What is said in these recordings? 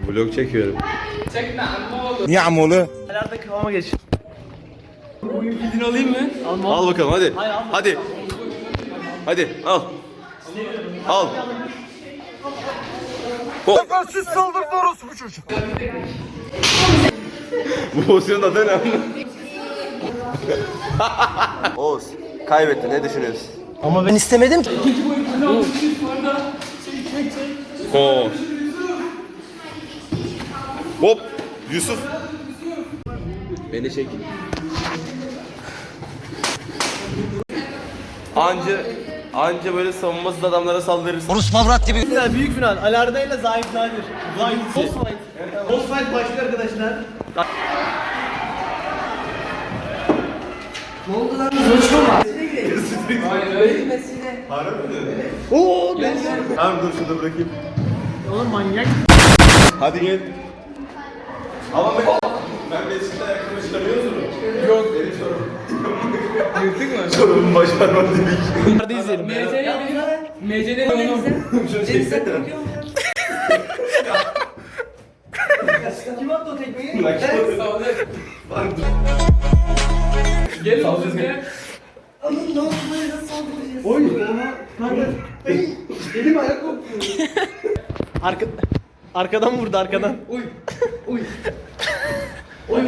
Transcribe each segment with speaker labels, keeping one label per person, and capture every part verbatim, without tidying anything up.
Speaker 1: Vlog çekiyorum.
Speaker 2: Niye amoğlu?
Speaker 3: Nerede kıvama geç.
Speaker 4: Gidin alayım mı?
Speaker 3: Alma.
Speaker 1: Al bakalım hadi.
Speaker 3: Hayır, alma.
Speaker 1: Hadi. Hadi al. Al.
Speaker 2: Siz saldırdı orospu çocuk.
Speaker 1: Bu pozisyonun adı ne? Oğuz, kaybetti. Ne düşünüyorsun?
Speaker 3: Ama ben istemedim ki.
Speaker 1: Oo. Hop. Yusuf. Beni çek. Anca anca böyle savunmasız adamlara saldırırsın.
Speaker 2: Orospu avrat gibi.
Speaker 3: Final, büyük final. Alarda ile Zahit Nadir. Zahit. Boss fight. Boss fight başlıyor arkadaşlar.
Speaker 1: Oo, ben Tamam dur şurada bırakayım.
Speaker 3: Oğlum manyak.
Speaker 1: Hadi gel. Ama ben ben Mesut'la ayakkabı çıkarıyoruz mu? Yok. Benim sorun. Yırtık mı? Sorunun başarmadı dedik.
Speaker 3: Hadi izleyelim.
Speaker 4: M C N'de onu.
Speaker 3: Kim attı o tekmeyi?
Speaker 4: Gel oğlum gel.
Speaker 3: Elim ayak koptu. Arka, arkadan vurdu arkadan.
Speaker 4: Uy. Uy. Uy.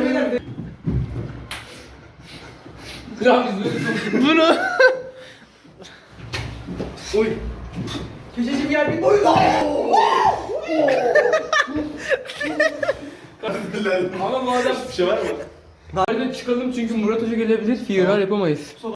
Speaker 4: Ya biz böyle çok...
Speaker 3: Bunu.
Speaker 4: Uy.
Speaker 3: Köşeci gel bir. Oy.
Speaker 4: Ama bu adam...
Speaker 1: Bir şey var mı?
Speaker 4: Nereden çıkalım çünkü Murat Hoca gelebilir. Firar yapamayız.